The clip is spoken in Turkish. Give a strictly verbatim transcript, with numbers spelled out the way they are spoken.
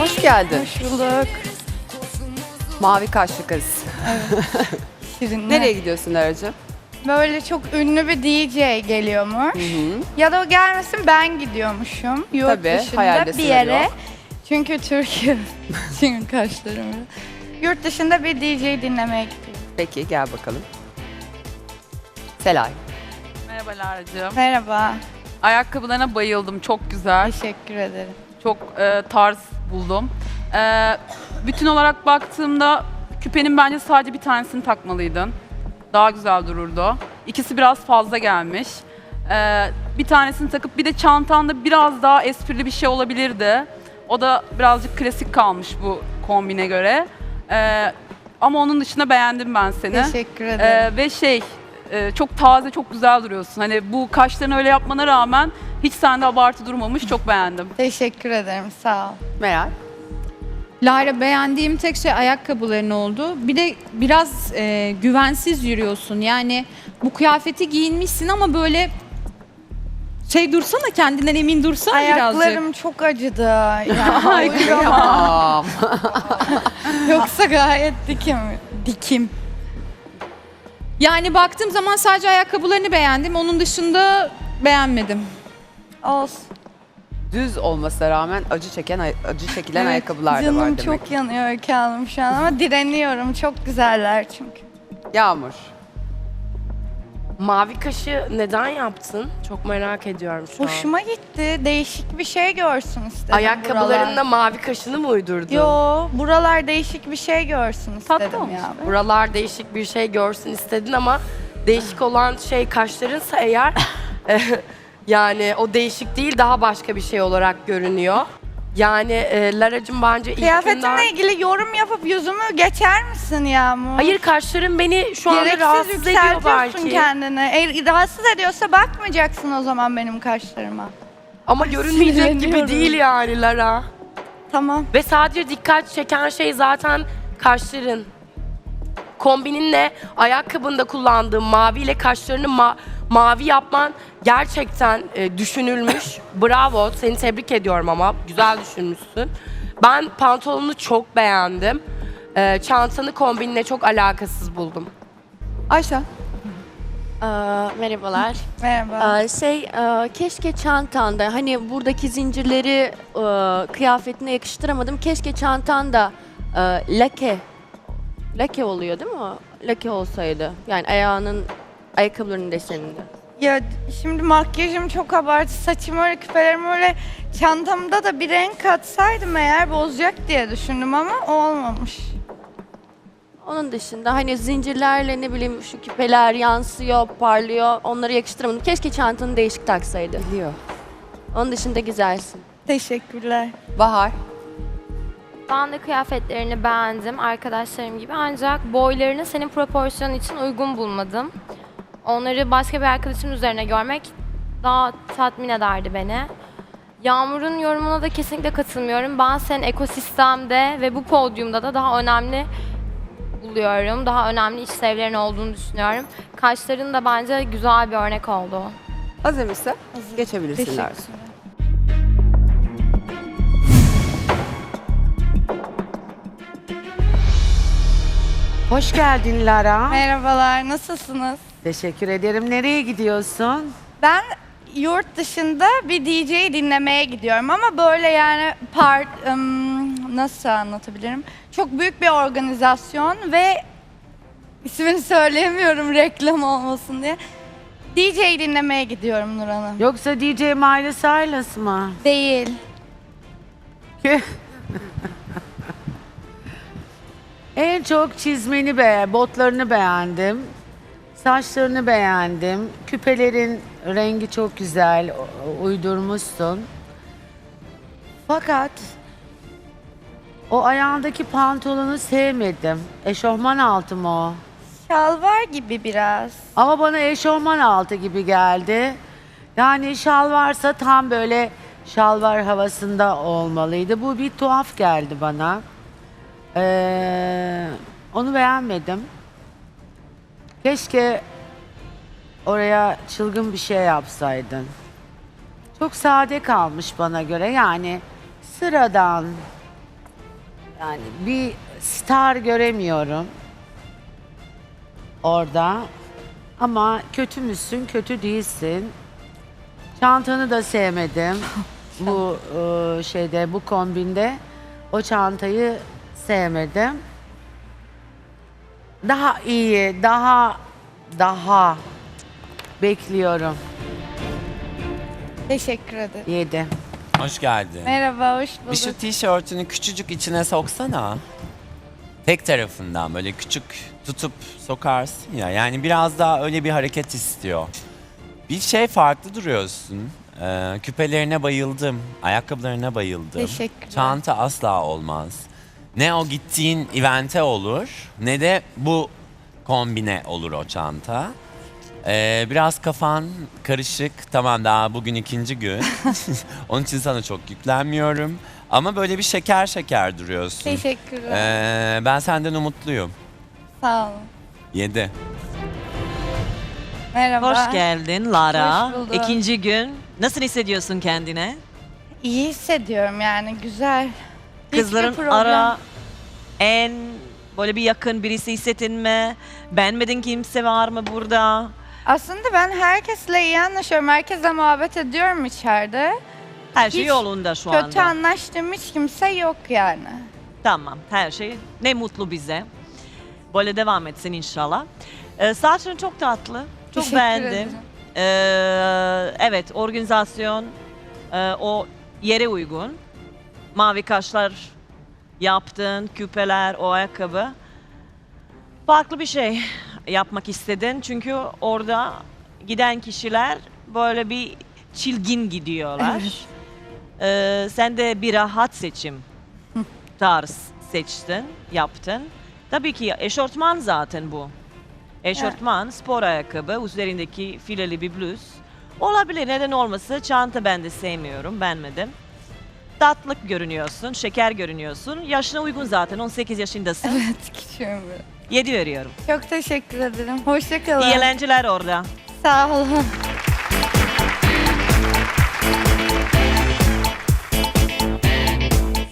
Hoş geldin. Hoş bulduk. Mavi kaşlı kız. Şirinler. Nereye gidiyorsun Lara'cığım? Böyle çok ünlü bir D J geliyormuş. Hı hı. Ya da o gelmesin ben gidiyormuşum. Yurt Tabii, dışında hayalde bir yere. sınırı yok. Çünkü Türkiye. Çünkü kaşlarım. Yurt dışında bir D J dinlemeye gidiyorum. Peki gel bakalım. Selay. Merhaba Lara'cığım. Merhaba. Ayakkabılarına bayıldım. Çok güzel. Teşekkür ederim. Çok e, tarz buldum. E, bütün olarak baktığımda küpenin bence sadece bir tanesini takmalıydın. Daha güzel dururdu. İkisi biraz fazla gelmiş. E, bir tanesini takıp bir de çantanda biraz daha esprili bir şey olabilirdi. O da birazcık klasik kalmış bu kombine göre. E, ama onun dışında beğendim ben seni. Teşekkür ederim. Ee, ve şey e, çok taze, çok güzel duruyorsun. Hani bu kaşlarını öyle yapmana rağmen hiç sende abartı durmamış. Çok beğendim. Teşekkür ederim. Sağ ol. Meral. Lara, beğendiğim tek şey ayakkabıların oldu. Bir de biraz e, güvensiz yürüyorsun. Yani bu kıyafeti giyinmişsin ama böyle şey dursana, kendinden emin dursana birazcık. Ayaklarım çok acıdı. Yani Ay, Tamam. Yoksa gayet dikim. Dikim. Yani baktığım zaman sadece ayakkabılarını beğendim. Onun dışında beğenmedim. Olsun. Düz olmasına rağmen acı çeken ay- acı çekilen Evet, ayakkabılar da var canım demek. çok yanıyor Öykü Hanım şu an ama direniyorum. Çok güzeller çünkü. Yağmur. Mavi kaşı neden yaptın? Çok merak ediyorum şu an. Hoşuma gitti. Değişik bir şey görsün istedim Ayakkabılarında buralar. mavi kaşını mı uydurdun? Yo, buralar değişik bir şey görsün Tatlı istedim olmuş. ya. Buralar değişik bir şey görsün istedin ama değişik olan şey kaşlarınsa eğer yani o değişik değil daha başka bir şey olarak görünüyor. Yani e, Lara'cığım bence ilk günden... Kıyafetimle ilgili yorum yapıp yüzümü geçer misin Yağmur? Hayır kaşların beni şu anda Gereksiz rahatsız ediyor yükseltiyorsun belki. kendini. Eğer rahatsız ediyorsa bakmayacaksın o zaman benim kaşlarıma. Ama görünmeyecek gibi sinirleniyorum. değil yani Lara. Tamam. Ve sadece dikkat çeken şey zaten kaşların. Kombininle ayakkabında kullandığın maviyle kaşlarını ma- mavi yapman gerçekten e, düşünülmüş. Bravo, seni tebrik ediyorum ama güzel düşünmüşsün. Ben pantolonunu çok beğendim. E, çantanı kombinle çok alakasız buldum. Ayşe. Aa, merhabalar. Merhaba. Aa, şey, aa, keşke çantanda, hani buradaki zincirleri aa, kıyafetine yakıştıramadım. Keşke çantanda aa, lake, lake oluyor değil mi o? Lake olsaydı. Yani ayağının, ayakkabılarının deseninde. Ya şimdi makyajım çok abartı, saçım öyle, küpelerim öyle, çantamda da bir renk katsaydım eğer bozacak diye düşündüm ama olmamış. Onun dışında hani zincirlerle ne bileyim şu küpeler yansıyor, parlıyor. Onları yakıştıramadım. Keşke çantanı değişik taksaydı. Biliyor. Onun dışında güzelsin. Teşekkürler. Bahar. Ben de kıyafetlerini beğendim arkadaşlarım gibi ancak boylarını senin proporsiyonun için uygun bulmadım. Onları başka bir arkadaşımın üzerine görmek daha tatmin ederdi beni. Yağmur'un yorumuna da kesinlikle katılmıyorum. Ben senin ekosistemde ve bu podyumda da daha önemli buluyorum. Daha önemli işlevlerin olduğunu düşünüyorum. Kaşların da bence güzel bir örnek oldu. Hazır mısın? Geçebilirsin Lara. Teşekkürler. Hoş geldin Lara. Merhabalar, nasılsınız? Teşekkür ederim. Nereye gidiyorsun? Ben yurt dışında bir D J dinlemeye gidiyorum ama böyle yani part ım, nasıl anlatabilirim? Çok büyük bir organizasyon ve ismini söyleyemiyorum reklam olmasın diye. D J dinlemeye gidiyorum Nur Hanım. Yoksa D J Miley Cyrus mı? Değil. En çok çizmeni be, botlarını beğendim. Saçlarını beğendim. Küpelerin rengi çok güzel, u- uydurmuşsun. Fakat o ayağındaki pantolonu sevmedim. Eşofman altı mı o? Şalvar gibi biraz. Ama bana eşofman altı gibi geldi. Yani şal varsa tam böyle şalvar havasında olmalıydı. Bu bir tuhaf geldi bana. Ee, onu beğenmedim. Keşke oraya çılgın bir şey yapsaydın. Çok sade kalmış bana göre. Yani sıradan Yani bir star göremiyorum orada. Ama kötü müsün, kötü değilsin. Çantanı da sevmedim. Bu e, şeyde, bu kombinde o çantayı sevmedim. Daha iyi, daha daha bekliyorum. Teşekkür ederim. Yedi. Hoş geldin. Merhaba, hoş Bir şu bulduk. tişörtünü küçücük içine soksana. Tek tarafından böyle küçük tutup sokarsın ya. Yani biraz daha öyle bir hareket istiyor. Bir şey farklı duruyorsun. Ee, küpelerine bayıldım. Ayakkabılarına bayıldım. Teşekkürler. Çanta asla olmaz. Ne o gittiğin evente olur ne de bu kombine olur o çanta. Ee, biraz kafan karışık. Tamam, daha bugün ikinci gün. Onun için sana çok yüklenmiyorum. Ama böyle bir şeker şeker duruyorsun. Teşekkürler. Ee, ben senden umutluyum. Sağ olun. Yedi. Merhaba. Hoş geldin Lara. Hoş bulduk. İkinci gün. Nasıl hissediyorsun kendine? İyi hissediyorum yani, güzel. Hiçbir Kızların problem- ara en böyle bir yakın birisi hissettin mi? Beğenmedin kimse var mı burada? Aslında ben herkesle iyi anlaşıyorum. Herkesle muhabbet ediyorum içeride. Her şey Hiç yolunda şu Kötü anda. anlaştığım hiç kimse yok yani. Tamam, her şey ne mutlu bize. Böyle devam etsin inşallah. Ee, saçın çok tatlı. Çok Teşekkür beğendim. ederim. Ee, evet, organizasyon e, o yere uygun. Mavi kaşlar yaptın, küpeler, o ayakkabı. Farklı bir şey yapmak istedin. Çünkü orada giden kişiler böyle bir çilgin gidiyorlar. Ee, sen de bir rahat seçim tarz seçtin, yaptın. Tabii ki eşortman zaten bu. Eşortman, spor ayakkabı, üzerindeki fileli bir bluz. Olabilir, neden olmasın? Çanta ben de sevmiyorum, beğenmedim. Tatlık görünüyorsun, şeker görünüyorsun. Yaşına uygun zaten, on sekiz yaşındasın. Evet, küçüğüm biraz. yedi veriyorum. Çok teşekkür ederim. Hoşça kalın. İyi eğlenceler orada. Sağ olun.